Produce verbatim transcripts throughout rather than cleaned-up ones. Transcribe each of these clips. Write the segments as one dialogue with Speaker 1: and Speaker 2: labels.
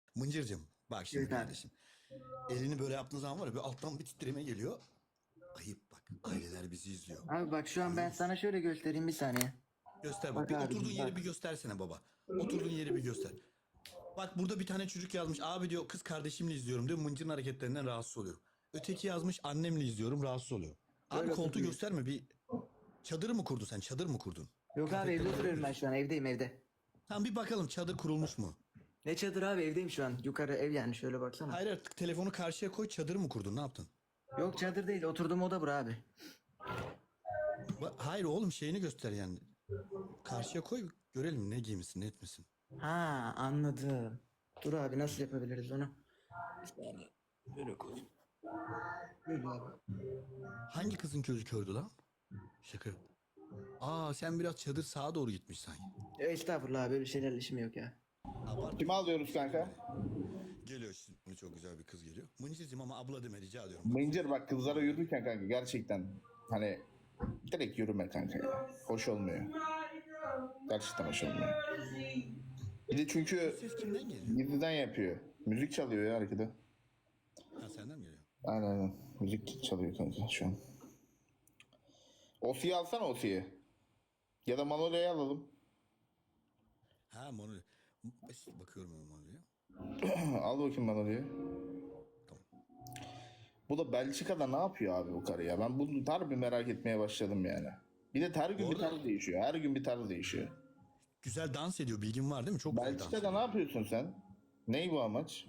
Speaker 1: Mıncır'cığım bak şimdi
Speaker 2: Evet abi.
Speaker 1: kardeşim. Elini böyle yaptığın zaman var ya bir alttan bir titreme geliyor. Ayıp bak. Aileler bizi izliyor.
Speaker 2: Abi bak şu an
Speaker 1: Görüyor
Speaker 2: ben
Speaker 1: musun?
Speaker 2: sana şöyle göstereyim bir saniye.
Speaker 1: Göster bak.
Speaker 2: Bak
Speaker 1: Bir oturduğun
Speaker 2: abicim
Speaker 1: yeri bir
Speaker 2: bak.
Speaker 1: göstersene baba. Oturduğun yeri bir göster. Bak burada bir tane çocuk yazmış. Abi diyor kız kardeşimle izliyorum diyor. Mıncır'ın hareketlerinden rahatsız oluyorum. Öteki yazmış annemle izliyorum rahatsız oluyor. Abi
Speaker 2: Böyle
Speaker 1: koltuğu
Speaker 2: oturuyor.
Speaker 1: gösterme bir. Çadır mı kurdun sen? Çadır mı kurdun?
Speaker 2: Yok abi evde
Speaker 1: Kıyafetlerini
Speaker 2: oturuyorum ben
Speaker 1: yapıyorsun.
Speaker 2: şu an evdeyim evde.
Speaker 1: Tamam bir bakalım çadır kurulmuş mu?
Speaker 2: Ne çadır abi evdeyim şu an. Yukarı ev yani şöyle baksana.
Speaker 1: Hayır artık telefonu karşıya koy çadır mı kurdun ne yaptın?
Speaker 2: Yok çadır değil oturduğum oda bura abi.
Speaker 1: Ba- Hayır oğlum şeyini göster yani. Karşıya koy görelim ne giymişsin ne etmişsin.
Speaker 2: Ha anladım. Dur abi nasıl yapabiliriz onu? Bir saniye. Böyle koy. Böyle abi.
Speaker 1: Hangi kızın gözü kördü lan? Şaka. Aa sen biraz çadır sağa doğru gitmiş sanki.
Speaker 2: Ya estağfurullah abi böyle şeylerle işim yok ya.
Speaker 1: Abart.
Speaker 3: Kimi alıyoruz kanka?
Speaker 1: Geliyor şimdi çok güzel bir kız geliyor. Mıncır'cığım ama abla deme rica ediyorum. Bak.
Speaker 3: Mıncır bak kızlara yürürken kanka gerçekten hani direkt yürüme kanka ya. Hoş olmuyor. Gerçekten hoş olmuyor. Bir de çünkü
Speaker 1: Ses kimden geliyor?
Speaker 3: gizliden yapıyor. Müzik çalıyor ya arkada.
Speaker 1: Ha senden mi geliyor?
Speaker 3: Aynen aynen. Müzik çalıyor kanka şu an. Osi'yi alsana Osi'yi. Ya da Manolya'yı alalım.
Speaker 1: Ha Monu. Bakıyorum ben Monu'ya.
Speaker 3: Al bakayım Manolya'yı.
Speaker 1: Tamam.
Speaker 3: Bu da Belçika'da ne yapıyor abi bu karı ya? Ben bunu harbi merak etmeye başladım yani. Bir de her gün
Speaker 1: Bu
Speaker 3: bir
Speaker 1: arada-
Speaker 3: tarz değişiyor. Her gün bir tarz değişiyor.
Speaker 1: Güzel dans ediyor bilgin var değil mi? Çok güzel dans
Speaker 3: Belçika'da
Speaker 1: ediyor.
Speaker 3: ne yapıyorsun sen? Ney bu amaç?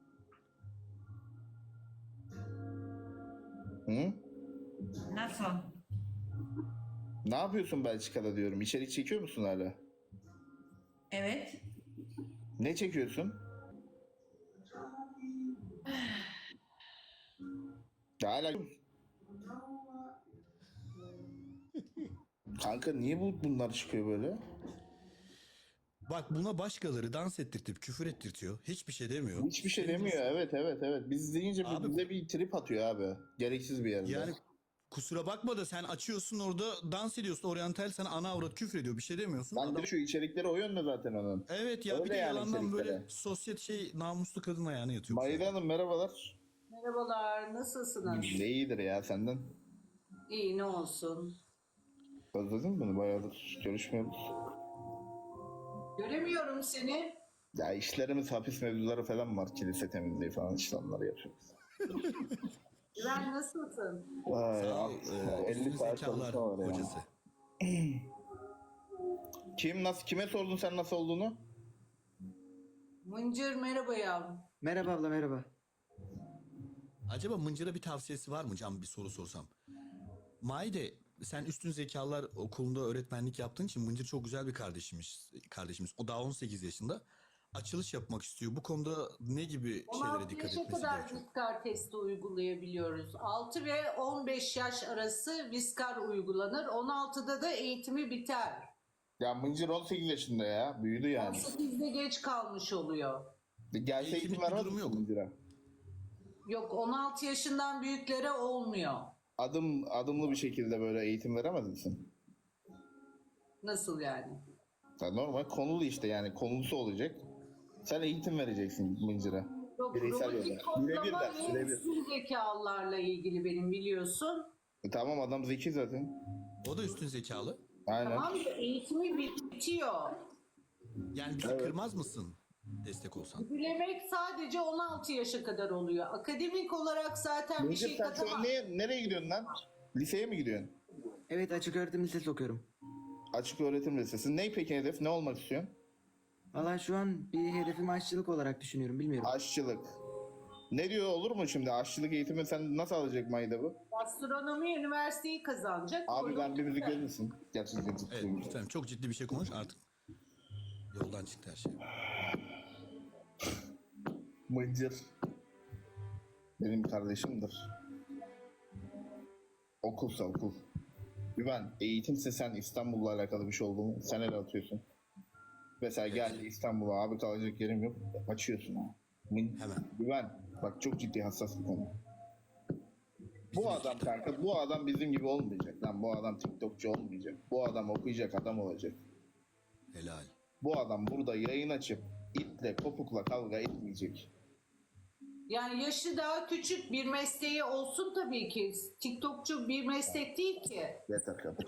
Speaker 3: Hı?
Speaker 4: Nasıl?
Speaker 3: Ne yapıyorsun Belçika'da diyorum. İçerik çekiyor musun hala?
Speaker 4: Evet.
Speaker 3: Ne çekiyorsun? Ya hala... Kanka niye bu bunlar çıkıyor böyle?
Speaker 1: Bak buna başkaları dans ettirtip küfür ettirtiyor. Hiçbir şey demiyor.
Speaker 3: Hiçbir şey
Speaker 1: Senin
Speaker 3: demiyor. Evet evet evet. Biz deyince bir-
Speaker 1: Abi-
Speaker 3: bize bir trip atıyor abi. Gereksiz bir yerde.
Speaker 1: Yani kusura bakma da sen açıyorsun orada dans ediyorsun. Oryantal sana ana avrat küfür ediyor. Bir şey demiyorsun.
Speaker 3: Ben
Speaker 1: Adam-
Speaker 3: de şu içerikleri o yönde zaten onun.
Speaker 1: Evet ya bir
Speaker 3: Öyle
Speaker 1: de
Speaker 3: yani
Speaker 1: yalandan
Speaker 3: içerikleri.
Speaker 1: böyle sosyet şey namuslu kadın ayağına yatıyor.
Speaker 3: Mayra Hanım merhabalar.
Speaker 5: Merhabalar, nasılsınız?
Speaker 3: Ne iyidir ya senden.
Speaker 5: İyi, ne olsun?
Speaker 3: Özledin mi beni? Bayağıdır görüşmüyoruz.
Speaker 5: Göremiyorum seni.
Speaker 3: Ya işlerimiz hapis mevzuları falan var. Kilise temizliği falan işte onları yapıyoruz.
Speaker 5: Güven nasılsın?
Speaker 3: Vay,
Speaker 1: Sağ ol.
Speaker 3: ya,
Speaker 1: e,
Speaker 3: elli
Speaker 1: üstün
Speaker 3: saat
Speaker 1: zekalar
Speaker 3: çalışma var ya.
Speaker 1: hocası.
Speaker 3: Kim nasıl kime sordun sen nasıl olduğunu?
Speaker 5: Mıncır merhaba yavrum.
Speaker 2: Merhaba abla merhaba.
Speaker 1: Acaba Mıncır'a bir tavsiyesi var mı Can bir soru sorsam? Maide sen üstün zekalar okulunda öğretmenlik yaptığın için Mıncır çok güzel bir kardeşimiz. kardeşimiz. O daha on sekiz yaşında. Açılış yapmak istiyor. Bu konuda ne gibi şeylere
Speaker 5: on altı
Speaker 1: dikkat
Speaker 5: yaşa
Speaker 1: etmesi
Speaker 5: kadar
Speaker 1: gerekiyor?
Speaker 5: viskar testi uygulayabiliyoruz. altı ve on beş yaş arası viskar uygulanır. on altıda da eğitimi biter.
Speaker 3: Ya Mıncır on sekiz yaşında ya. Büyüdü
Speaker 5: on
Speaker 3: yani.
Speaker 5: sekizde geç kalmış oluyor.
Speaker 3: Gelse
Speaker 1: Eğitimlik
Speaker 3: eğitim
Speaker 1: bir
Speaker 3: vermez
Speaker 1: durum
Speaker 3: misin
Speaker 1: yok.
Speaker 3: Mıncır'a?
Speaker 5: Yok, on altı yaşından büyüklere olmuyor.
Speaker 3: Adım, adımlı bir şekilde böyle eğitim veremez misin?
Speaker 5: Nasıl yani?
Speaker 3: Ya normal konulu işte yani konusu olacak. Sen eğitim vereceksin Mıncır'a.
Speaker 5: Yok,
Speaker 3: Bireysel
Speaker 5: robotik
Speaker 3: yolda. Birebir
Speaker 5: kodlama
Speaker 3: ders, birebir.
Speaker 5: üstün zekalarla ilgili benim biliyorsun.
Speaker 3: E tamam adam zeki zaten.
Speaker 1: O da üstün zekalı.
Speaker 3: Aynen.
Speaker 5: Tamam da eğitimi bitiyor.
Speaker 1: Yani bizi kırmaz mısın destek olsan?
Speaker 5: Bilemek sadece on altı yaşa kadar oluyor. Akademik olarak zaten bir
Speaker 3: Mıncır
Speaker 5: şey
Speaker 3: sen şu an
Speaker 5: katamam.
Speaker 3: neye, nereye gidiyorsun lan? Liseye mi gidiyorsun?
Speaker 2: Evet açık öğretim lisesi okuyorum.
Speaker 3: Açık öğretim lisesi. Ne peki hedef? Ne olmak istiyorsun?
Speaker 2: Valla şu an bir hedefim aşçılık olarak düşünüyorum bilmiyorum.
Speaker 3: Aşçılık. Ne diyor olur mu şimdi? Aşçılık eğitimi sen nasıl alacak Mayda bu?
Speaker 5: Gastronomi üniversiteyi kazanacak.
Speaker 3: Abi ben bir müzik
Speaker 5: Orada-
Speaker 3: verir misin? Gerçekten ciddi.
Speaker 1: Evet lütfen çok ciddi bir şey konuş artık. Yoldan çıktı her şey.
Speaker 3: Mıncır. Benim kardeşimdir. Okulsa okul. Güven, eğitimse sen İstanbul'la alakalı bir şey oldu mu? Sen el atıyorsun. Mesela gel İstanbul'a abi kalacak yerim yok. Açıyorsun ha. Min-
Speaker 1: Hemen.
Speaker 3: Güven, bak çok ciddi hassas bir konu.
Speaker 1: Bizim
Speaker 3: Bu adam kanka, bu adam bizim gibi olmayacak lan. Bu adam TikTokçu olmayacak. Bu adam okuyacak adam olacak.
Speaker 1: Helal.
Speaker 3: Bu adam burada yayın açıp de kopukla kavga etmeyecek.
Speaker 5: Yani yaşı daha küçük, bir mesleği olsun tabii ki. TikTokçu bir meslek değil ki.
Speaker 3: Yeter kapat.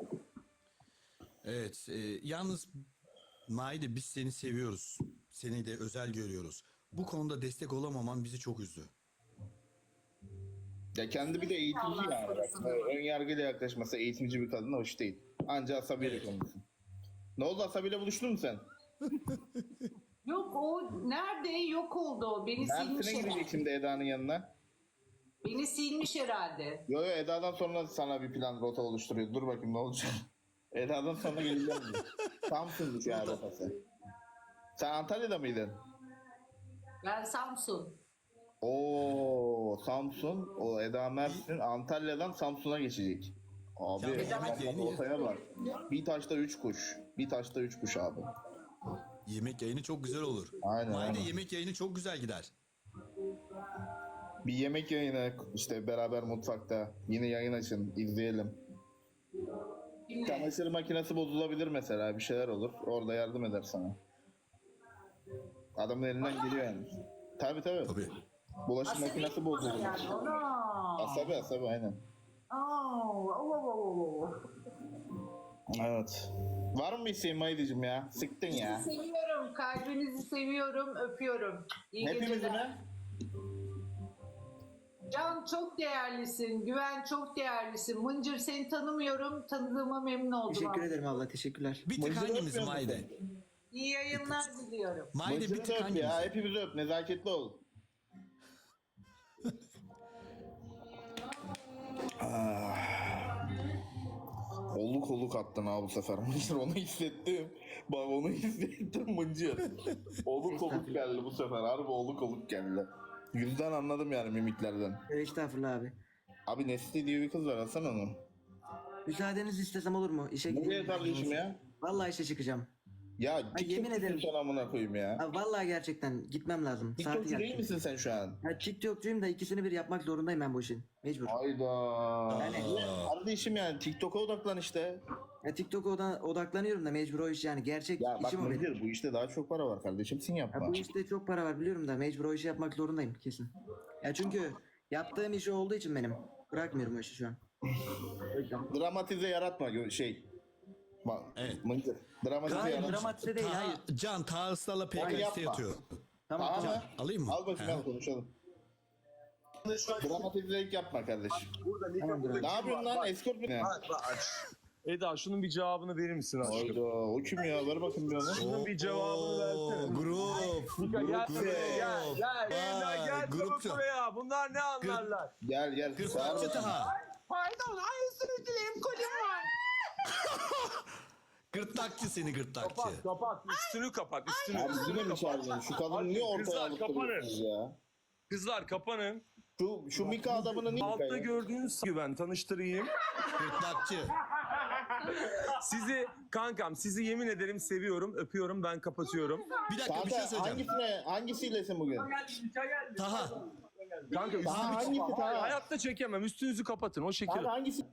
Speaker 1: Evet, e, yalnız Maide biz seni seviyoruz. Seni de özel görüyoruz. Bu konuda destek olamaman bizi çok üzdü.
Speaker 3: Ya kendi bir de eğitimci yani. Bak, ön yargıyla yaklaşması eğitimci bir kadına hoş değil. Anca asabiyle
Speaker 1: Evet.
Speaker 3: konuşsun. Ne oldu, asabiyle buluştun mu sen?
Speaker 5: Yok o nerede? Yok oldu o. Beni silmiş
Speaker 3: Mersin'e gidecek
Speaker 5: herhalde.
Speaker 3: şimdi Eda'nın yanına.
Speaker 5: Beni silmiş herhalde.
Speaker 3: Yo yo, Eda'dan sonra sana bir plan rota oluşturuyor. Dur bakayım ne olacak. Eda'dan sonra geleceğim diyor. Samsun'muş ya rotası. Sen Antalya'da mıydın?
Speaker 5: Ben Samsun.
Speaker 3: Oo Samsun, o Eda Mersin Antalya'dan Samsun'a geçecek. Abi
Speaker 1: Ya yemek yayını ya.
Speaker 3: ortaya bak. Bir taşta üç kuş. Bir taşta üç kuş abi.
Speaker 1: Yemek yayını çok güzel olur.
Speaker 3: Aynen,
Speaker 1: Maide
Speaker 3: aynen.
Speaker 1: yemek yayını çok güzel gider.
Speaker 3: Bir yemek yayını işte beraber mutfakta. Yine yayın açın, izleyelim.
Speaker 5: Kimle?
Speaker 3: Çamaşır makinesi bozulabilir mesela, bir şeyler olur. Orada yardım eder sana. Adamın elinden geliyor yani. Tabii tabii.
Speaker 1: Tabii.
Speaker 3: Bulaşık makinesi bozulur.
Speaker 5: Yani ona.
Speaker 3: Asabi asabi aynen.
Speaker 5: Aa, oo, oo, oo, oo.
Speaker 3: Evet. Var mı bir isteğin Maydicim ya? Sıktın ya.
Speaker 5: Sizi seviyorum. Kalbinizi seviyorum. Öpüyorum. İyi
Speaker 3: Hepimizi
Speaker 5: geceler.
Speaker 3: mi?
Speaker 5: Can çok değerlisin. Güven çok değerlisin. Mıncır seni tanımıyorum. Tanıdığıma memnun oldum.
Speaker 2: Teşekkür
Speaker 5: abi.
Speaker 2: ederim abla, teşekkürler.
Speaker 1: Bir tık
Speaker 3: Mıncırı
Speaker 1: hangimiz
Speaker 3: öpüyor
Speaker 1: Maide?
Speaker 3: musun?
Speaker 5: İyi yayınlar diliyorum.
Speaker 1: Maide bir
Speaker 3: Mıncırı
Speaker 1: tık
Speaker 3: öp
Speaker 1: hangimiz?
Speaker 3: ya. Hepimizi öp. Nezaketli ol. Ah. Oluk oluk attın ha bu sefer. Mıncır, onu hissettim. Bak onu hissettim Mıncır. Oluk oluk geldi bu sefer. Harbi oluk oluk geldi. Yüzden anladım yani, mimiklerden.
Speaker 2: Evet, estağfurullah abi.
Speaker 3: Abi Nesli diye bir kız var, alsana onu.
Speaker 2: Müsaadenizi istesem olur mu? İşe
Speaker 3: Nereye
Speaker 2: gideyim.
Speaker 3: kardeşim ya?
Speaker 2: Vallahi işe çıkacağım.
Speaker 3: Ya
Speaker 2: yemin
Speaker 3: TikTok'cusun
Speaker 2: ederim.
Speaker 3: sen, amına koyayım ya.
Speaker 2: Abi vallahi gerçekten gitmem lazım. Saati
Speaker 3: TikTokçu değil
Speaker 2: geldi.
Speaker 3: misin sen şu an?
Speaker 2: Ya TikTokçuyum da ikisini bir yapmak zorundayım ben bu işin. Mecbur.
Speaker 3: Hayda.
Speaker 2: Yani-
Speaker 3: Kardeşim yani TikTok'a odaklan işte.
Speaker 2: Ya TikTok'a oda- odaklanıyorum da mecbur o iş yani. Gerçek
Speaker 3: Ya bak
Speaker 2: işim o benim.
Speaker 3: Mıncır, bu işte daha çok para var kardeşim, sen
Speaker 2: Ya
Speaker 3: yapma.
Speaker 2: bu işte çok para var biliyorum da mecbur o işi yapmak zorundayım kesin. Ya çünkü yaptığım iş olduğu için benim. Bırakmıyorum o işi şu an. O yüzden.
Speaker 3: Dramatize yaratma gö- şey. Bak
Speaker 1: Evet.
Speaker 3: Mıncır. Dramatize
Speaker 2: Hayır,
Speaker 3: yaratma.
Speaker 2: dramatize değil, hayır.
Speaker 1: Ta, Can ta ısrarla P K
Speaker 3: Hayır,
Speaker 1: S'te
Speaker 3: yapma.
Speaker 1: yatıyor.
Speaker 2: Tamam
Speaker 3: Tamam
Speaker 2: tamam.
Speaker 3: mı?
Speaker 1: Alayım mı?
Speaker 3: Al bakayım,
Speaker 1: He.
Speaker 3: al konuşalım. Dramatizelik yapma kardeşim.
Speaker 2: Tamamdır.
Speaker 3: Ne yapıyorsun lan? Eskort mu ne?
Speaker 6: Eda şunun bir cevabını verir misin aşkım?
Speaker 3: Hayda, o kim ya? Ver bakayım bir onu.
Speaker 6: Şunun bir cevabını versene.
Speaker 1: Grup.
Speaker 6: Mika gel
Speaker 1: Grup.
Speaker 6: buraya gel. Gel Eda
Speaker 1: Vay,
Speaker 6: gel çabuk
Speaker 1: grupçu.
Speaker 6: buraya. Bunlar ne anlarlar?
Speaker 3: Gel gel.
Speaker 1: Gırtlakçı Taha.
Speaker 6: Pardon ay özür dilerim kolim var.
Speaker 1: Gırtlakçı seni gırtlakçı.
Speaker 6: Kapat kapat üstünü kapat üstünü.
Speaker 3: Abi yine mi çağırdın? Şu kadını niye ortaya
Speaker 6: Kızlar,
Speaker 3: alıp
Speaker 6: kapanın.
Speaker 3: duruyorsunuz ya?
Speaker 6: Kızlar kapanın.
Speaker 3: Şu, şu Mika adamını niye
Speaker 6: Altta
Speaker 3: Mika ya?
Speaker 6: gördüğünüz gibi ben tanıştırayım.
Speaker 1: Gırtlakçı.
Speaker 6: Sizi kankam sizi yemin ederim seviyorum öpüyorum ben kapatıyorum.
Speaker 1: Bir dakika bir şey
Speaker 3: Kanka
Speaker 1: söyleyeceğim.
Speaker 3: hangisine, hangisiylesin bugün?
Speaker 1: Taha.
Speaker 6: Kanka üstünü
Speaker 3: Taha hangisi Taha?
Speaker 6: hayatta çekemem üstünüzü kapatın o şekil.
Speaker 3: Abi hangisi?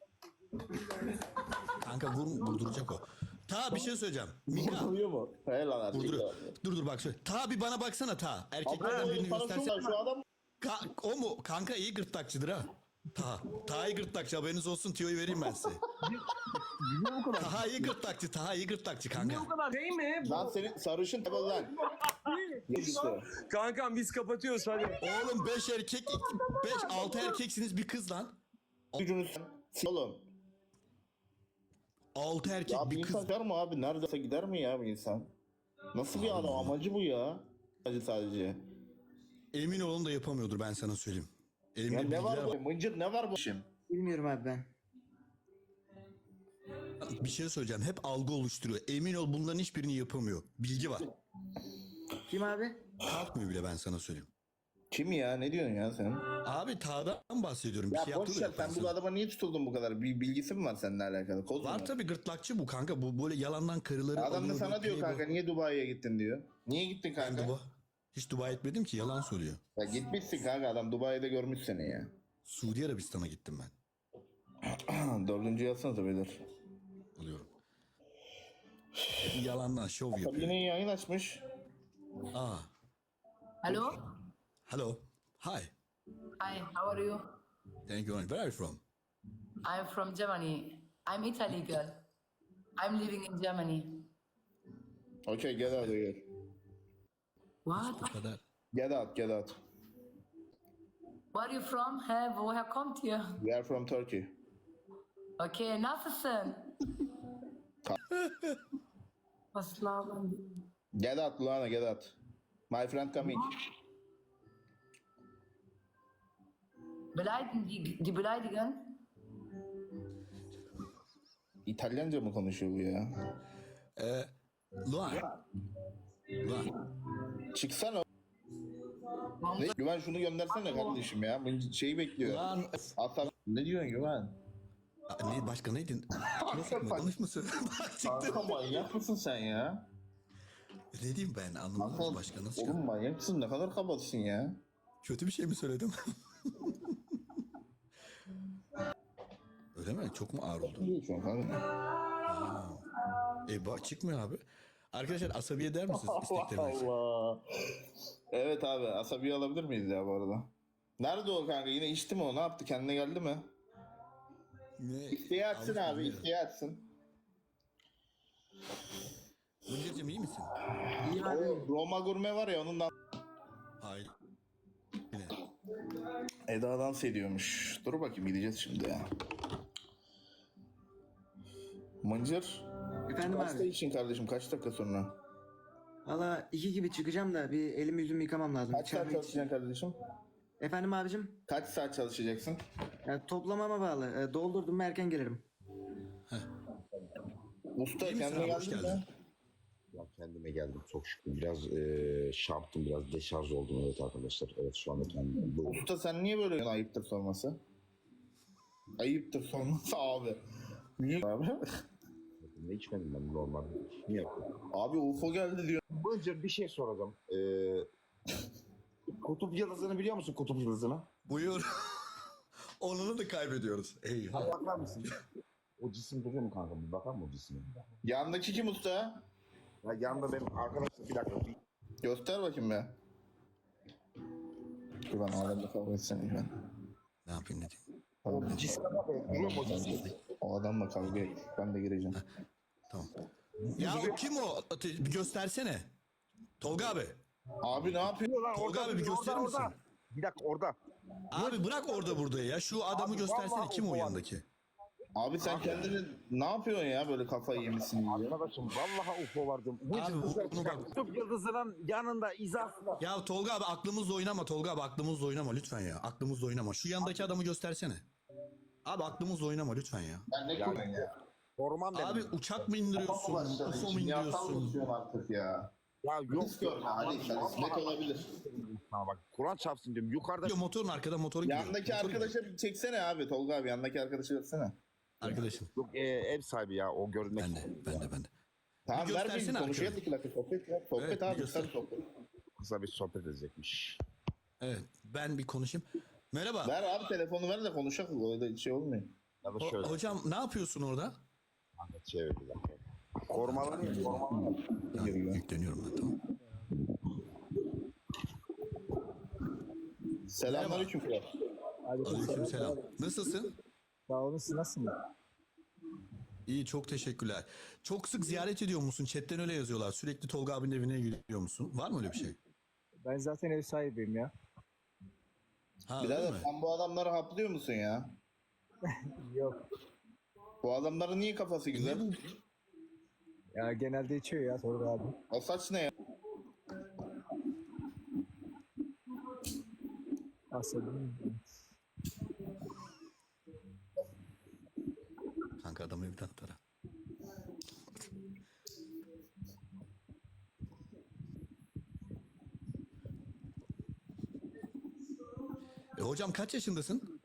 Speaker 1: Kanka vur, vurduracak o. Taha bir şey söyleyeceğim. Mika.
Speaker 3: Vuruyor mu? Helal artık.
Speaker 1: Vurduruyor. Dur dur bak şöyle. Taha bir bana baksana Taha. Erkeklerden
Speaker 3: Abi
Speaker 1: birini
Speaker 3: sana şu,
Speaker 1: göstersene.
Speaker 3: şu adam
Speaker 1: Ka- o mu? Kanka iyi gırtlakçıdır ha. Taha. Taha iyi gırtlakçı, haberiniz olsun, tiyoyu vereyim ben size. Taha iyi gırtlakçı, Taha iyi gırtlakçı kanka.
Speaker 6: Şey mi?
Speaker 3: lan senin sarışın tabi lan. Yedisi.
Speaker 6: Kankam biz kapatıyoruz hadi.
Speaker 1: Oğlum beş erkek, beş altı erkeksiniz bir kız lan.
Speaker 3: Gücünüz oğlum.
Speaker 1: Altı erkek
Speaker 3: Ya bir
Speaker 1: bir kız.
Speaker 3: insan gider mi abi? Neredeyse gider mi ya bir insan? Nasıl bir adam? Amacı bu ya. Sadece sadece.
Speaker 1: Emin olun da yapamıyordur, ben sana söyleyeyim. Elimde
Speaker 3: Ya ne var
Speaker 1: bilgiler
Speaker 3: bu? Mıncır ne var bu işin?
Speaker 2: Bilmiyorum abi ben.
Speaker 1: Bir şey söyleyeceğim. Hep algı oluşturuyor. Emin ol bunların hiçbirini yapamıyor. Bilgi var.
Speaker 2: Kim abi?
Speaker 1: Kalkmıyor bile, ben sana söyleyeyim.
Speaker 3: Kim ya? Ne diyorsun ya sen?
Speaker 1: Abi Taha'dan bahsediyorum. Bir
Speaker 3: Ya
Speaker 1: şey
Speaker 3: boş
Speaker 1: yaptı da
Speaker 3: ver,
Speaker 1: yok
Speaker 3: sen
Speaker 1: ben
Speaker 3: bu
Speaker 1: sana.
Speaker 3: adama niye tutuldun bu kadar? Bir bilgisi mi var seninle alakalı? Koz mu
Speaker 1: Var tabii, gırtlakçı bu kanka. Bu böyle yalandan karıları
Speaker 3: Adam da
Speaker 1: alıyor,
Speaker 3: sana diyor
Speaker 1: playboy.
Speaker 3: kanka niye Dubai'ye gittin diyor. Niye gittin
Speaker 1: Ben
Speaker 3: kanka?
Speaker 1: Dubai. Hiç Dubai etmedim ki, yalan söylüyor.
Speaker 3: Ya gitmişsin kanka, adam Dubai'de görmüş seni ya.
Speaker 1: Suudi Arabistan'a gittim ben.
Speaker 3: Dördüncü yazsanıza beyler.
Speaker 1: Alıyorum. Yalandan şov
Speaker 3: Tabii
Speaker 1: yapıyor.
Speaker 3: yine yayın açmış.
Speaker 1: Ah,
Speaker 7: Hello?
Speaker 1: hello. Hi.
Speaker 7: Hi, how are you?
Speaker 1: Thank you. Where are you from?
Speaker 7: I'm from Germany. I'm Italy girl. I'm living in Germany.
Speaker 3: Okay, get out of here.
Speaker 7: What?
Speaker 1: Bu kadar.
Speaker 3: Get out, get out.
Speaker 7: Where are you from? He, woher kommt ihr?
Speaker 3: We are from Turkey.
Speaker 7: Okay, nasılsın? Was labern die?
Speaker 3: Get out, Luana, get out. My friend coming.
Speaker 7: Beleidigen die, die beleidigen?
Speaker 3: İtalyanca mı konuşuyor bu ya?
Speaker 1: Ee, Luan. Luan.
Speaker 3: Çıksana. Ne? Güven şunu göndersene kardeşim ya. Bu şeyi bekliyor.
Speaker 1: Luan.
Speaker 3: Atar. Ne diyorsun Güven?
Speaker 1: Aa, Ne, başka neydin? Nasıl konuşmasın? Bak çıktı.
Speaker 3: Kanka manyak mısın sen ya?
Speaker 1: Ne diyeyim ben anlamadım
Speaker 3: Kanka,
Speaker 1: başka nasıl
Speaker 3: oğlum
Speaker 1: çıktı?
Speaker 3: manyak mısın? Ne kadar kabatsın ya?
Speaker 1: Kötü bir şey mi söyledim? Öyle mi? Çok mu ağır oldu?
Speaker 3: Ne diyorsun kanka?
Speaker 1: E bak çıkmıyor abi. Arkadaşlar asabi eder misiniz isteklerinizi?
Speaker 3: Allah. Evet abi asabi alabilir miyiz ya bu arada? Nerede o kanka? Yine içti mi o? Ne yaptı? Kendine geldi mi?
Speaker 1: Ne?
Speaker 3: İsteği açsın
Speaker 1: Almış
Speaker 3: abi.
Speaker 1: bilmiyorum.
Speaker 3: İsteği açsın.
Speaker 1: Mıncır'cığım iyi misin?
Speaker 2: İyi abi.
Speaker 3: O Roma gurme var ya onun da
Speaker 1: Hayır. Yine.
Speaker 3: Eda dans ediyormuş. Dur bakayım gideceğiz şimdi ya. Mıncır.
Speaker 2: Efendim
Speaker 3: Kaçta
Speaker 2: abi.
Speaker 3: için kardeşim? Kaç dakika sonra?
Speaker 2: Valla iki gibi çıkacağım da bir elimi yüzümü yıkamam lazım.
Speaker 3: Kaç saat
Speaker 2: İçeride-
Speaker 3: çalışacaksın kardeşim?
Speaker 2: Efendim abicim?
Speaker 3: Kaç saat çalışacaksın?
Speaker 2: Ya, toplamama bağlı. E, doldurdum mu erken gelirim.
Speaker 3: Usta
Speaker 1: İyi misin
Speaker 3: kendine
Speaker 1: abi? Hoş
Speaker 3: geldin
Speaker 1: geldin.
Speaker 3: mi?
Speaker 8: Ya kendime geldim çok şükür. Biraz eee şarttım, biraz deşarj oldum evet arkadaşlar. Evet şu anda kendime bu.
Speaker 3: Usta sen niye böyle ayıptır sorması? Ayıptır sorması abi. Niye abi?
Speaker 8: Ne içmedim ben normalde. Niye yapıyorum?
Speaker 3: Abi U F O geldi diyor.
Speaker 8: Bıncır bir şey soracağım. Eee kutup yıldızını biliyor musun kutup yıldızını?
Speaker 1: Buyur. Onunu da kaybediyoruz. Eyvah.
Speaker 8: Bakar mısın? O cisim duruyor mu kanka? Bir bakar mı o cisime?
Speaker 3: Yandaki kim usta?
Speaker 8: Ya yanında benim arkadaşım bir dakika. Bir...
Speaker 3: Göster bakayım be. Dur ben alemde kavga etsene ben.
Speaker 1: Ne yapayım ne diyeyim?
Speaker 8: O cisime bak. Duruyor mu o cisim?
Speaker 3: O adamla kavga et. Ben de gireceğim.
Speaker 1: Tamam. Ya o kim o? Ate- Bir göstersene. Tolga abi.
Speaker 3: Abi ne yapıyor?
Speaker 8: Lan
Speaker 1: Tolga abi bir gösterir misin?
Speaker 8: Bir dakika orada.
Speaker 1: Abi bırak orada burada ya. Şu adamı
Speaker 8: Abi
Speaker 1: göstersene.
Speaker 8: vallahi
Speaker 1: Kim o
Speaker 8: o
Speaker 1: yanındaki?
Speaker 3: Abi sen kendini ne yapıyorsun ya böyle kafayı yemişsin diye.
Speaker 8: Arkadaşım vallahi U F O vardı. Bu
Speaker 1: Abi bu- bunu bak.
Speaker 8: kutup yıldızının yanında izafla.
Speaker 1: Ya Tolga abi aklımızla oynama Tolga abi aklımızla oynama lütfen ya. Aklımızla oynama. Şu yandaki adamı göstersene. Abi aklımızla oynama lütfen ya.
Speaker 3: Ben ne koyayım ya?
Speaker 8: Korumam dedim.
Speaker 1: Abi uçak mı indiriyorsun? U F O mu indiriyorsun?
Speaker 3: artık ya.
Speaker 8: Ya yok.
Speaker 3: Risk görme Ali. Sen risk olabilir.
Speaker 8: Ha bak Kur'an çarpsın diyorum. Yukarıda
Speaker 1: Diyor, motorun arkada motoru gidiyor.
Speaker 3: Yandaki
Speaker 1: Motoru gidiyor.
Speaker 3: arkadaşa bir çeksene abi. Tolga abi yandaki arkadaşı versene.
Speaker 1: Arkadaşım.
Speaker 8: yok, e, ev sahibi ya o görünmek.
Speaker 1: Ben de ben de ben de.
Speaker 3: Tamam
Speaker 1: Bir
Speaker 3: ver bir
Speaker 1: göstersene
Speaker 3: konuşalım
Speaker 1: arkadaş.
Speaker 3: iki dakika sohbet ya. Sohbet
Speaker 1: Evet, bir
Speaker 3: abi
Speaker 1: göster.
Speaker 3: sen sohbet.
Speaker 8: Kısa bir sohbet edecekmiş.
Speaker 1: Evet ben bir konuşayım. Merhaba.
Speaker 3: Ver abi telefonu ver de konuşalım. Öyle şey olmuyor.
Speaker 8: Ya da
Speaker 1: Ho-
Speaker 8: şöyle.
Speaker 1: hocam ne yapıyorsun orada?
Speaker 8: Ahmet çevir bir dakika. Korumalı korumalı.
Speaker 1: Ha, yükleniyorum ben tamam.
Speaker 3: Selamünaleyküm kral.
Speaker 1: Aleykümselam. Nasılsın?
Speaker 9: Sağ olun, siz nasılsınız?
Speaker 1: İyi çok teşekkürler. Çok sık ziyaret ediyor musun? Chatten öyle yazıyorlar. Sürekli Tolga abinin evine gidiyor musun? Var mı öyle bir şey?
Speaker 9: Ben zaten ev sahibiyim ya.
Speaker 1: Ha öyle
Speaker 3: Birader
Speaker 1: mi?
Speaker 3: sen bu adamları haplıyor musun ya?
Speaker 9: Yok.
Speaker 3: Bu adamların niye kafası güzel?
Speaker 9: Ya genelde içiyor ya Tolga abi.
Speaker 3: O saç ne ya?
Speaker 9: Aslında
Speaker 1: Kanka adamı evden atar. ha. E, hocam kaç yaşındasın?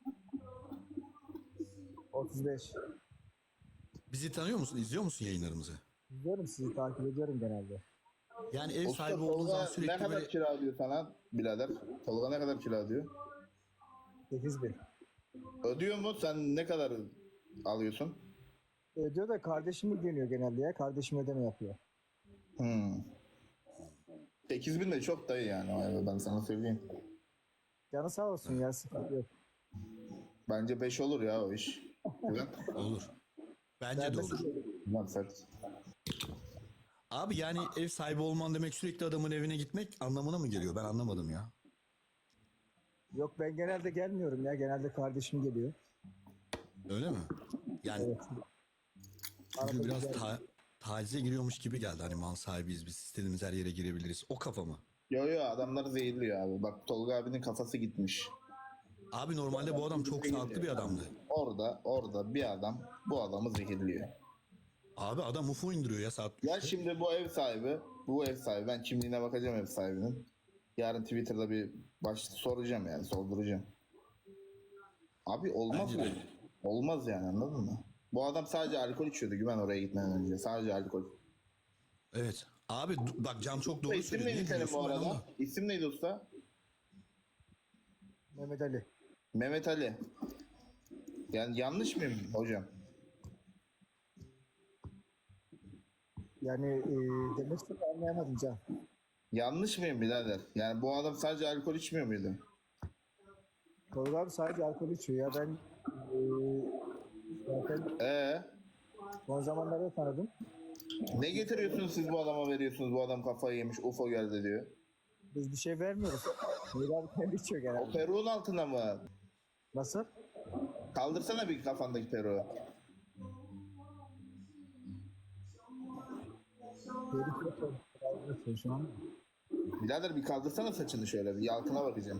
Speaker 9: otuz beş.
Speaker 1: Bizi tanıyor musun? İzliyor musun yayınlarımızı?
Speaker 9: Biliyorum, sizi takip ediyorum genelde.
Speaker 1: Yani ev
Speaker 3: Usta
Speaker 1: sahibi olduğun zaman
Speaker 3: Tolga ne
Speaker 1: sürekli
Speaker 3: kadar
Speaker 1: böyle...
Speaker 3: kira ödüyor sana birader? Tolga ne kadar kira ödüyor?
Speaker 9: sekiz bin.
Speaker 3: Ödüyor mu? Sen ne kadar alıyorsun?
Speaker 9: Ödüyor da kardeşim ilgileniyor genelde ya. Kardeşim ödeme yapıyor.
Speaker 3: Hmm. sekiz bin de çok dayı yani o eve, ben sana söyleyeyim.
Speaker 9: Canı sağ olsun ya, sıkıntı yok.
Speaker 3: Bence beş olur ya o iş. Güven.
Speaker 1: Olur. Bence
Speaker 9: Ben
Speaker 1: de
Speaker 9: de
Speaker 1: olur.
Speaker 3: Güven sert.
Speaker 1: Abi yani ev sahibi olman demek sürekli adamın evine gitmek anlamına mı geliyor? Ben anlamadım ya.
Speaker 9: Yok, ben genelde gelmiyorum ya. Genelde kardeşim geliyor.
Speaker 1: Öyle mi? Yani
Speaker 9: Evet.
Speaker 1: çünkü
Speaker 9: Arada
Speaker 1: biraz
Speaker 9: güzel.
Speaker 1: ta tacize giriyormuş gibi geldi. Hani mal sahibiyiz biz, istediğimiz her yere girebiliriz. O kafa mı?
Speaker 3: Yo yo, adamlar zehirliyor abi. Bak Tolga abinin kafası gitmiş.
Speaker 1: Abi normalde bu adam çok sağlıklı bir adamdı.
Speaker 3: Orada orada bir adam bu adamı zehirliyor.
Speaker 1: Abi adam U F O indiriyor ya saat
Speaker 3: Ya
Speaker 1: üçte.
Speaker 3: şimdi bu ev sahibi, bu ev sahibi, ben kimliğine bakacağım ev sahibinin. Yarın Twitter'da bir baş soracağım yani, sorduracağım. Abi olmaz
Speaker 1: Bence
Speaker 3: mı?
Speaker 1: de.
Speaker 3: Olmaz yani, anladın mı? Bu adam sadece alkol içiyordu Güven oraya gitmeden önce. Sadece alkol.
Speaker 1: Evet. Abi du- bak Can çok doğru
Speaker 3: İsim
Speaker 1: söylüyor.
Speaker 3: neydi
Speaker 1: Niye
Speaker 3: senin
Speaker 1: gülüyorsun
Speaker 3: bu
Speaker 1: ben
Speaker 3: arada?
Speaker 1: anlamadım.
Speaker 3: İsim neydi usta?
Speaker 9: Mehmet Ali.
Speaker 3: Mehmet Ali. Yani yanlış mıyım hocam?
Speaker 9: Yani e, demek istediğimi anlayamadım Can.
Speaker 3: Yanlış mıyım birader? Yani bu adam sadece alkol içmiyor muydu?
Speaker 9: Tolga abi sadece alkol içiyor ya. Ben e, zaten
Speaker 3: Ee,
Speaker 9: son zamanlarda tanıdım.
Speaker 3: ne getiriyorsunuz siz bu adama, veriyorsunuz? Bu adam kafayı yemiş, U F O geldi diyor.
Speaker 9: Biz bir şey vermiyoruz. Tolga abi kendi içiyor
Speaker 3: O
Speaker 9: genelde.
Speaker 3: peruğun altında mı?
Speaker 9: Nasıl?
Speaker 3: Kaldırsana bir kafandaki peruğu.
Speaker 9: Herif yok. Kaldırıyorsun şu an.
Speaker 3: Birader bir kaldırsana saçını şöyle, bir yalkına bakacağım.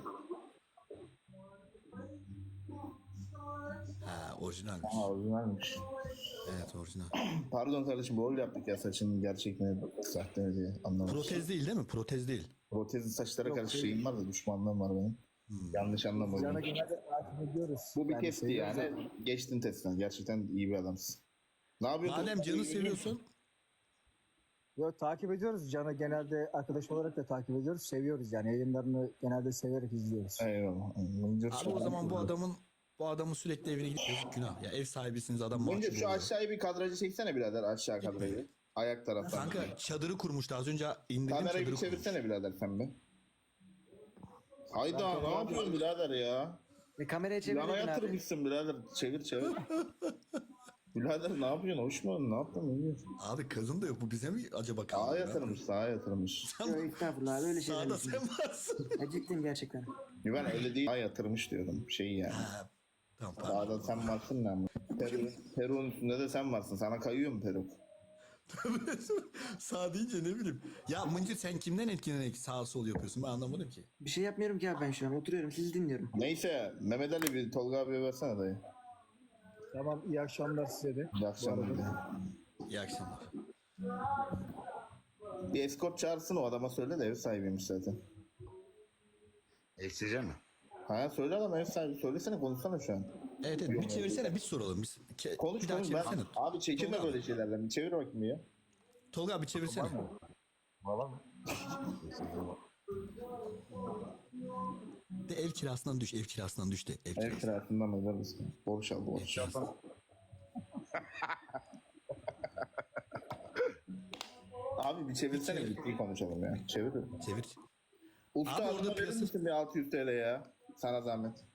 Speaker 1: Ha orijinalmiş.
Speaker 3: Aa, orijinalmiş.
Speaker 1: Evet orijinal.
Speaker 3: Pardon kardeşim, rol yaptık ya, saçının gerçek mi sahte mi diye anlamadım.
Speaker 1: Protez değil değil mi? Protez değil.
Speaker 3: Protezli saçlara
Speaker 9: Yok,
Speaker 3: karşı
Speaker 9: değil.
Speaker 3: şeyim var da, düşmanlığım var benim. Yanlış
Speaker 9: Can'a
Speaker 3: anlamadım.
Speaker 9: genelde takip ediyoruz.
Speaker 3: Bu bir
Speaker 9: Yani
Speaker 3: testti
Speaker 9: seviyoruz
Speaker 3: yani.
Speaker 9: ama.
Speaker 3: Geçtin testten. Gerçekten iyi bir adamsın. Ne yapıyorsun?
Speaker 1: Madem Can'ı seviyorsun.
Speaker 9: Yok, takip ediyoruz. Can'ı genelde arkadaş olarak da takip ediyoruz. Seviyoruz yani. Yayınlarını genelde severek izliyoruz.
Speaker 3: Eyvallah. Mıncır
Speaker 1: Abi o zaman bu adamın bu adamın sürekli evine gidip yazık günah. Ya ev sahibisiniz adam
Speaker 3: Mıncır
Speaker 1: mahcup
Speaker 3: şu
Speaker 1: oluyor.
Speaker 3: aşağıya bir kadrajı çeksene birader, aşağı kadrajı. Ayak taraftan.
Speaker 1: Kanka çadırı kurmuştu az önce indirdim
Speaker 3: Kamerayı bir
Speaker 1: çadırı kurmuş.
Speaker 3: çevirsene birader sen bir. Hayda, ne yapıyorsun birader ya?
Speaker 2: Ve kameraya
Speaker 3: Yana
Speaker 2: çevirdin abi.
Speaker 3: yatırmışsın birader. Çevir çevir. Birader ne yapıyorsun? Hoş mu? Ne yaptın? Ne diyorsun?
Speaker 1: Abi kadın da yok bu bize mi acaba
Speaker 3: Sağa
Speaker 1: kaldı?
Speaker 3: yatırmış, sağa yatırmış.
Speaker 2: Yok estağfurullah abi, öyle şeyler
Speaker 1: Sağda
Speaker 2: yok.
Speaker 1: sen varsın.
Speaker 2: Ya ciddiyim gerçekten.
Speaker 3: Ben öyle değil. Sağa yatırmış diyordum. Şeyi yani.
Speaker 1: Ha, tamam pardon.
Speaker 3: Sağda sen varsın ne ama. Peru, Peru'nun üstünde de sen varsın. Sana kayıyor mu Peru?
Speaker 1: Sağ deyince ne bileyim. Ya Mıncır sen kimden etkilenerek sağ sol yapıyorsun ben anlamadım ki.
Speaker 2: Bir şey yapmıyorum ki abi, ben şu an oturuyorum, sizi dinliyorum.
Speaker 3: Neyse Mehmet Ali bir Tolga abiye versene dayı.
Speaker 9: Tamam, iyi akşamlar size de.
Speaker 3: İyi akşamlar.
Speaker 9: Bu arada-
Speaker 3: dayı.
Speaker 1: İyi akşamlar.
Speaker 3: Bir eskort çağırsın, o adama söyle de ev sahibiymiş zaten.
Speaker 8: Eksice mi?
Speaker 3: Ha söyle adam ev sahibi, söylesene, konuşsana şu an.
Speaker 1: Evet evet bir çevirsene bir soralım. Bir, ke-
Speaker 3: Konuş
Speaker 1: bir daha
Speaker 3: konuş ben.
Speaker 1: çevirsene.
Speaker 3: Abi çekinme
Speaker 1: Tolga
Speaker 3: böyle
Speaker 1: abi.
Speaker 3: şeylerden. Bir çevir bakayım ya.
Speaker 1: Tolga abi çevirsene.
Speaker 8: Valla mı?
Speaker 1: De ev kirasından düş ev kirasından düş de ev
Speaker 3: Ev
Speaker 1: kirasından.
Speaker 3: kirasından öder misin? Borç al borç. Abi bir çevirsene,
Speaker 1: çevir.
Speaker 3: ciddi konuşalım ya. Çevir.
Speaker 1: Çevir.
Speaker 3: Usta
Speaker 1: Abi
Speaker 3: adama
Speaker 1: orada
Speaker 3: verir
Speaker 1: piyasa-
Speaker 3: misin bir altı yüz TL ya? Sana zahmet.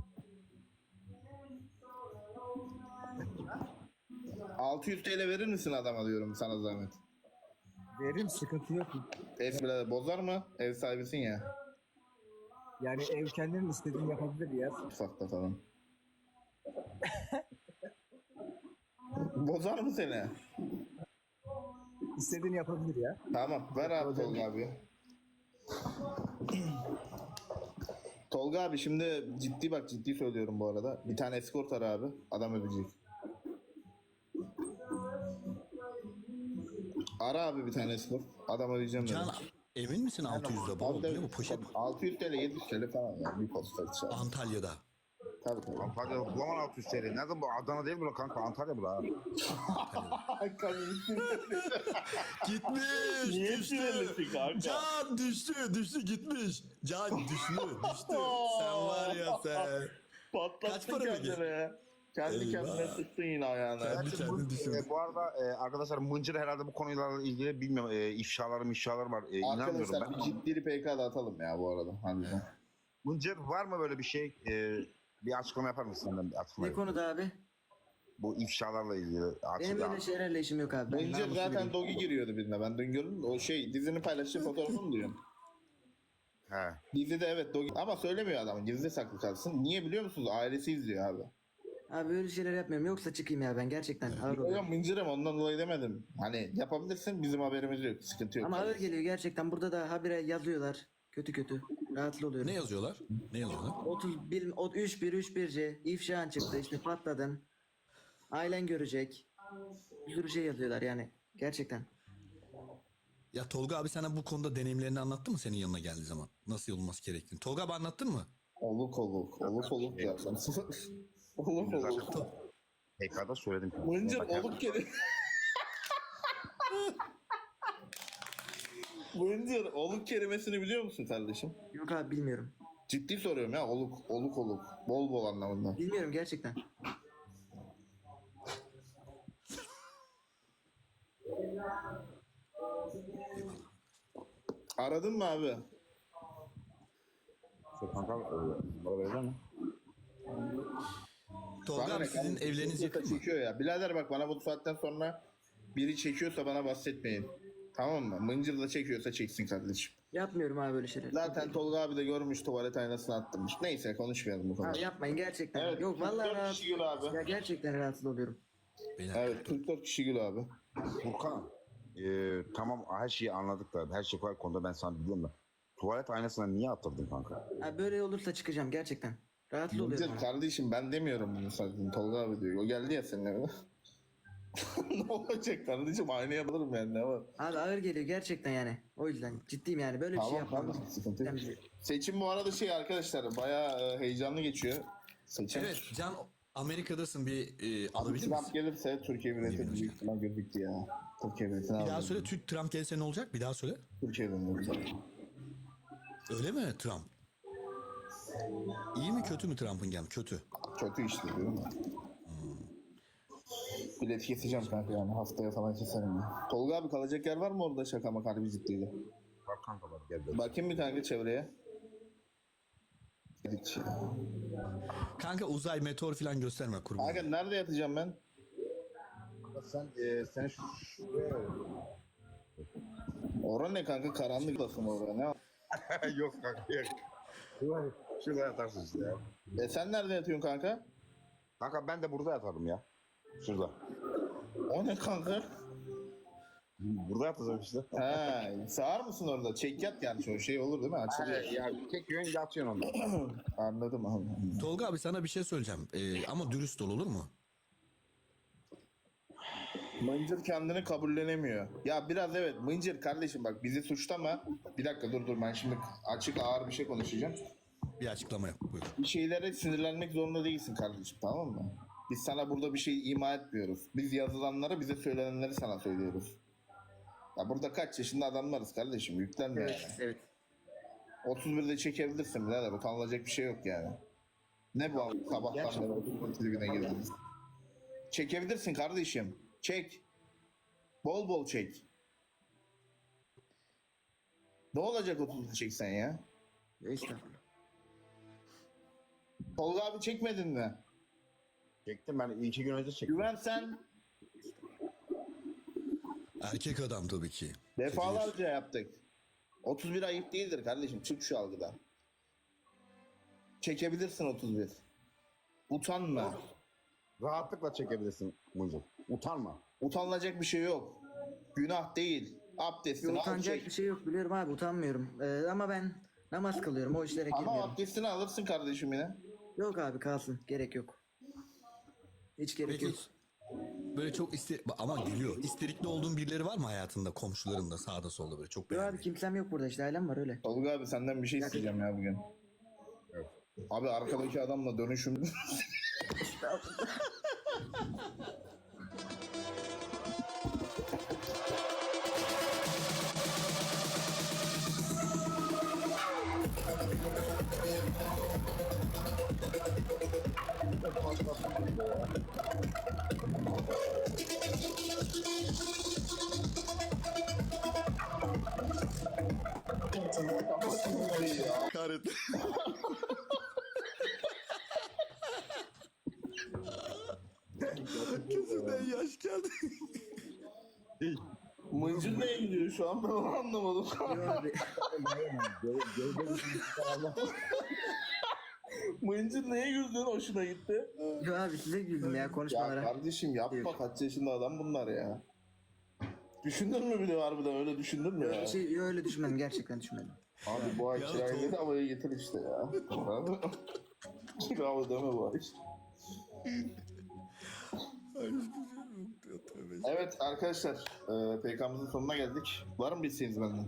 Speaker 3: altı yüz TL verir misin adama diyorum, sana zahmet.
Speaker 9: Veririm, sıkıntı yok.
Speaker 3: Ev birader bozar mı? Ev sahibisin ya.
Speaker 9: Yani ev kendinin istediğini yapabilir ya.
Speaker 3: Ufakta falan. Bozar mı seni?
Speaker 9: İstediğini yapabilir ya.
Speaker 3: Tamam ver abi Tolga abi. Tolga abi şimdi ciddi bak, ciddi söylüyorum bu arada. Bir tane escort ara abi. Adam ödeyecek. Ara abi bir tane escort. Adam ödeyeceğim dedi.
Speaker 1: Can emin misin altı yüzde baba?
Speaker 3: Abi
Speaker 1: Bu ne bu poşet?
Speaker 3: altı yüz TL yedi yüz TL falan ya. Bir posta içer.
Speaker 1: Antalya'da.
Speaker 3: Tabii tabii.
Speaker 8: Antalya bulamam altı yüz T L. Nerede bu? Adana değil bu kanka, Antalya bu la.
Speaker 1: Gitmiş.
Speaker 3: Niye
Speaker 1: düştü.
Speaker 3: sinirlisin kanka?
Speaker 1: Can düştü düştü gitmiş. Can düştü düştü. Sen var ya sen.
Speaker 3: Patlattın
Speaker 1: Kaç para peki?
Speaker 3: kendini ya. Kendi
Speaker 1: Eyvah.
Speaker 3: kendine sıktın yine ayağına.
Speaker 1: Kendi
Speaker 8: Gerçi
Speaker 1: kendini
Speaker 8: bu,
Speaker 1: düşün.
Speaker 8: e, bu arada e, arkadaşlar Mıncır herhalde bu konuyla ilgili bilmiyorum e, ifşaları mişaları var. E, inanmıyorum
Speaker 3: Arkadaşlar
Speaker 8: ben.
Speaker 3: bir ciddi P K da atalım ya bu arada. Harbiden.
Speaker 8: Mıncır var mı böyle bir şey? E, bir açıklama yapar mısın senden? Bir açıklama
Speaker 2: Ne
Speaker 8: yap.
Speaker 2: konuda abi?
Speaker 8: Bu ifşalarla ilgili.
Speaker 2: Benim
Speaker 8: Açıklama.
Speaker 2: öyle şeylerle işim yok abi. Ben
Speaker 3: Önce
Speaker 2: namuslu
Speaker 3: zaten
Speaker 2: biriyim.
Speaker 3: Dogi giriyordu birine. Ben dün gördüm. O şey dizinin paylaştığı fotoğrafını mı diyorum?
Speaker 8: He.
Speaker 3: Dizide evet Dogi. Ama söylemiyor adam. Gizli saklı kalsın. Niye biliyor musunuz? Ailesi izliyor abi.
Speaker 2: Abi öyle şeyler yapmıyorum. Yoksa çıkayım ya ben gerçekten ağır oluyor.
Speaker 3: Hocam mıncırım ondan dolayı demedim. Hani yapabilirsin bizim haberimiz yok. Sıkıntı yok.
Speaker 2: Ama ağır geliyor gerçekten. Burada da habire yazıyorlar. Kötü kötü. Rahatsız oluyorum.
Speaker 1: Ne yazıyorlar? Ne yazıyorlar?
Speaker 2: otuz bir, o- üç bir üç bir C ifşaan çıktı işte patladın. Ailen görecek. Bir sürü şey yazıyorlar yani. Gerçekten.
Speaker 1: Ya Tolga abi sana bu konuda deneyimlerini anlattı mı senin yanına geldiği zaman? Nasıl olması gerektiğini? Tolga abi anlattın mı?
Speaker 3: Oluk oluk. Oluk oluk zaten. Oluk oluk.
Speaker 8: P K'da söyledim.
Speaker 3: Mıncır
Speaker 8: Bakar-
Speaker 3: oluk kelime. Mıncır oluk kelimesini biliyor musun kardeşim?
Speaker 2: Yok abi bilmiyorum.
Speaker 3: Ciddi soruyorum ya oluk oluk oluk. Bol bol anlamında.
Speaker 2: Bilmiyorum gerçekten.
Speaker 3: Aradın mı abi?
Speaker 8: Şey, kanka e, numara verecek misin?
Speaker 1: Tolga
Speaker 3: Bana
Speaker 1: abi
Speaker 3: ne
Speaker 1: sizin
Speaker 3: kardeşim?
Speaker 1: evleriniz
Speaker 3: Çekiyorsa
Speaker 1: yakın mı?
Speaker 3: Çekiyor ya. Birader bak bana bu saatten sonra biri çekiyorsa bana bahsetmeyin. Tamam mı? Mıncır da çekiyorsa çeksin kardeşim.
Speaker 2: Yapmıyorum abi böyle şeyler.
Speaker 3: Zaten Tolga abi de görmüş tuvalet aynasını attırmış. Neyse konuşmayalım bu konuda.
Speaker 2: Abi yapmayın gerçekten.
Speaker 3: Evet,
Speaker 2: Yok vallahi
Speaker 3: kırk dört
Speaker 2: rahatsız.
Speaker 3: kişi gül abi.
Speaker 2: Ya gerçekten rahatsız oluyorum.
Speaker 1: Beyler,
Speaker 3: Evet kırk dört kişi gül abi.
Speaker 8: Furkan. E, tamam her şeyi anladık da her şey var konuda ben sana biliyorum da. Tuvalet aynasına niye attırdın kanka?
Speaker 2: Abi böyle olursa çıkacağım gerçekten. Rahatsız oluyorum.
Speaker 3: Mıncır
Speaker 2: abi.
Speaker 3: kardeşim ben demiyorum bunu zaten. Tolga abi diyor. O geldi ya senin evine. Ne olacak kardeşim? Aynaya alırım yani ne var?
Speaker 2: Abi ağır geliyor gerçekten yani. O yüzden ciddiyim yani böyle bir şey
Speaker 3: Tamam
Speaker 2: yapmam.
Speaker 3: kardeşim sıkıntı yok.
Speaker 2: Yani-
Speaker 3: Seçim bu arada şey arkadaşlar bayağı e, heyecanlı geçiyor. Seçim.
Speaker 1: Evet Can Amerika'dasın bir e,
Speaker 3: Abi
Speaker 1: alabilir
Speaker 3: Trump
Speaker 1: misin?
Speaker 3: gelirse Türkiye biletini
Speaker 1: Bilmiyorum
Speaker 3: büyük ihtimal gözüktü ya. Türkiye biletini
Speaker 1: Bir daha
Speaker 3: aldım.
Speaker 1: söyle Türk Trump gelse ne olacak? Bir daha söyle.
Speaker 3: Türkiye biletini.
Speaker 1: Öyle mi Trump? İyi mi kötü mü Trump'ın gelmesi? Kötü.
Speaker 3: Kötü işte diyorum ya. Bilet keseceğim kanka yani haftaya falan keserim ya. Tolga abi kalacak yer var mı orada şaka maka harbi ciddiyle?
Speaker 8: Bak kanka bak gel gel.
Speaker 3: Bakayım bir kanka çevreye. Hiç ya.
Speaker 1: Kanka uzay meteor falan gösterme kurban.
Speaker 3: Kanka nerede yatacağım ben?
Speaker 8: Sen e, sen şu şuraya
Speaker 3: Orada ne kanka karanlık lafım orada ne?
Speaker 8: yok kanka yok. Şuraya, şuraya yatarsın işte ya.
Speaker 3: E sen nerede yatıyorsun kanka?
Speaker 8: Kanka ben de burada yatarım ya. Şurada.
Speaker 3: O ne kanka?
Speaker 8: Burada yatacağım işte.
Speaker 3: He, sağır mısın orada? Çek yat yani şu şey olur değil mi? Açılıyor.
Speaker 8: He, ya çekiyorsun yatıyorsun onda.
Speaker 3: Anladım anladım.
Speaker 1: Tolga abi sana bir şey söyleyeceğim. E, ama dürüst ol olur mu?
Speaker 3: Mıncır kendini kabullenemiyor. Ya biraz evet Mıncır kardeşim bak bizi suçlama. Bir dakika dur dur ben şimdi açık ağır bir şey konuşacağım.
Speaker 1: Bir açıklama yap buyur.
Speaker 3: Bir şeylere sinirlenmek zorunda değilsin kardeşim tamam mı? Biz sana burada bir şey ima etmiyoruz. Biz yazılanları bize söylenenleri sana söylüyoruz. Ya burada kaç yaşında adamlarız kardeşim yüklenme
Speaker 2: Evet,
Speaker 3: yani.
Speaker 2: evet.
Speaker 3: otuz birde çekebilirsin birader utanılacak bir şey yok yani. Ne bu sabahtan beri otuz bir tribüne girdiniz. Çekebilirsin kardeşim. Çek. Bol bol çek. Ne olacak otuzda çeksen ya?
Speaker 2: Ya estağfurullah.
Speaker 3: Tolga abi çekmedin mi?
Speaker 8: Çektim ben iki gün önce çektim.
Speaker 3: Güven sen
Speaker 1: Erkek adam tabii ki.
Speaker 3: defalarca yaptık. otuz bir ayıp değildir kardeşim. Çık şu algıdan. Çekebilirsin otuz bir. Utanma.
Speaker 8: Rahatlıkla çekebilirsin Mıncır. Utanma.
Speaker 3: Utanılacak bir şey yok. Günah değil. Abdestini al
Speaker 2: Utanacak
Speaker 3: çek.
Speaker 2: bir şey yok biliyorum abi utanmıyorum. Ee, ama ben namaz kılıyorum o işlere
Speaker 3: Ama
Speaker 2: girmiyorum.
Speaker 3: abdestini alırsın kardeşim yine.
Speaker 2: Yok abi kalsın gerek yok. Hiç gerek
Speaker 1: Peki
Speaker 2: yok.
Speaker 1: böyle çok iste ama gülüyor. İsterikli olduğun birileri var mı hayatında komşularında sağda solda böyle çok
Speaker 2: Yok abi
Speaker 1: beğendiğin?
Speaker 2: kimsem yok burada işte ailem var öyle.
Speaker 3: Tolga abi senden bir şey isteyeceğim ya bugün. Abi arkadaki adamla dönüşüm.
Speaker 1: Kahretsin. Gözümden yaş geldi.
Speaker 3: Mıncır neye gidiyor şu an ben onu anlamadım. Mıncır neye güldün hoşuna gitti?
Speaker 2: Yo abi size güldüm ya
Speaker 3: Ya
Speaker 2: konuşmalara.
Speaker 3: kardeşim yapma kaç yaşında adam bunlar ya. Düşündün mü bir de harbiden öyle düşündün mü ya?
Speaker 2: Öyle, şey, yo, öyle düşünmedim gerçekten düşünmedim.
Speaker 3: Abi bu ay
Speaker 1: Ya
Speaker 3: kirayı
Speaker 1: Tolga-
Speaker 3: havaya getir işte ya. Kira ödeme bu ay. Evet arkadaşlar e, P K'mızın sonuna geldik. Var mı bir isteğiniz benden?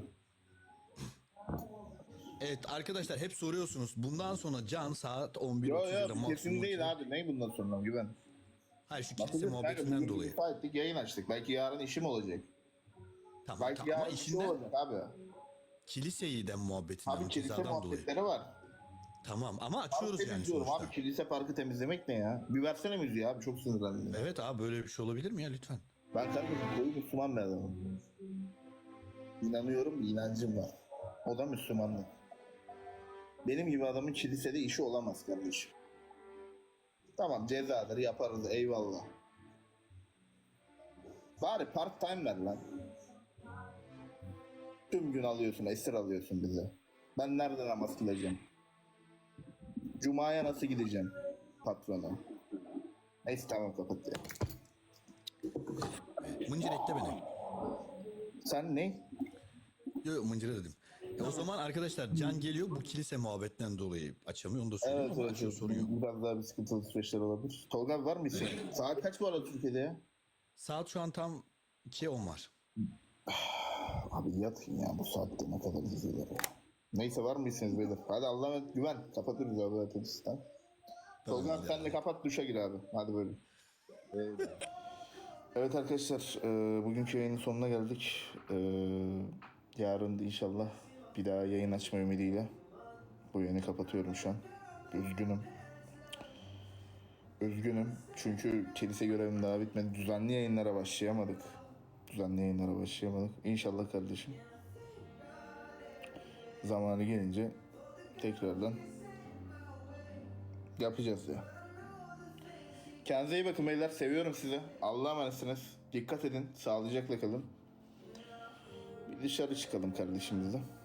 Speaker 1: Evet arkadaşlar hep soruyorsunuz. Bundan sonra Can saat on bir
Speaker 3: Yo
Speaker 1: otuzda
Speaker 3: yo
Speaker 1: maksimum.
Speaker 3: kesin değil abi. Ne bundan sonra güven.
Speaker 1: Hayır şu kilise
Speaker 3: Bakacağız kanka,
Speaker 1: muhabbetinden
Speaker 3: bugün
Speaker 1: dolayı.
Speaker 3: ifa ettik yayın açtık. Belki yarın işim olacak.
Speaker 1: Tamam,
Speaker 3: Belki
Speaker 1: tamam ama
Speaker 3: yarın işim
Speaker 1: işinden
Speaker 3: olacak abi.
Speaker 1: kiliseyi de muhabbetinden
Speaker 3: Abi kilise
Speaker 1: cezadan dolayı.
Speaker 3: muhabbetleri var.
Speaker 1: Tamam ama
Speaker 3: Park
Speaker 1: açıyoruz yani
Speaker 3: temizliyorum
Speaker 1: sonuçta.
Speaker 3: abi. Kilise parkı temizlemek ne ya? Bir versene müziği abi çok sinirlendim.
Speaker 1: Evet abi böyle bir şey olabilir mi ya lütfen?
Speaker 3: Ben kardeşim koyu Müslüman bir adamım. İnanıyorum, bir inancım var. O da Müslümanlık. Benim gibi adamın kilisede işi olamaz kardeşim. Tamam cezadır yaparız eyvallah. Bari part time ver lan. Tüm gün alıyorsun, esir alıyorsun bize. Ben nerede namaz kılacağım? Cuma'ya nasıl gideceğim patrona? Neyse tamam kapat ya.
Speaker 1: Mıncır ekle beni.
Speaker 3: Sen ne?
Speaker 1: Yok yok Mıncır'a dedim. E o zaman arkadaşlar Can geliyor bu kilise muhabbetinden dolayı açamıyor onu da söyleyeyim
Speaker 3: Evet,
Speaker 1: ama
Speaker 3: evet,
Speaker 1: açıyor
Speaker 3: evet.
Speaker 1: sorun yok.
Speaker 3: Biraz daha bir sıkıntılı süreçler olabilir. Tolga abi var mı isim? Saat kaç bu arada Türkiye'de ya?
Speaker 1: Saat şu an tam ikiye on var.
Speaker 3: Abi yatın ya bu saatte ne kadar izliyorlar ya. Neyse var mı isminiz beyler? Hadi Allah'a emanet güven. Kapatırız abi zaten sistem. Tolga abi sen de kapat duşa gir abi. Hadi böyle. Evet arkadaşlar e, bugünkü yayının sonuna geldik. E, yarın inşallah bir daha yayın açma ümidiyle bu yayını kapatıyorum şu an. Üzgünüm. Üzgünüm çünkü kilise görevim daha bitmedi. Düzenli yayınlara başlayamadık. Düzenli yayınlara başlayamadık. İnşallah kardeşim. Zamanı gelince tekrardan yapacağız ya. Kendinize iyi bakın beyler. Seviyorum sizi. Allah'a emanetsiniz. Dikkat edin. Sağlıcakla kalın. Bir dışarı çıkalım kardeşimizle.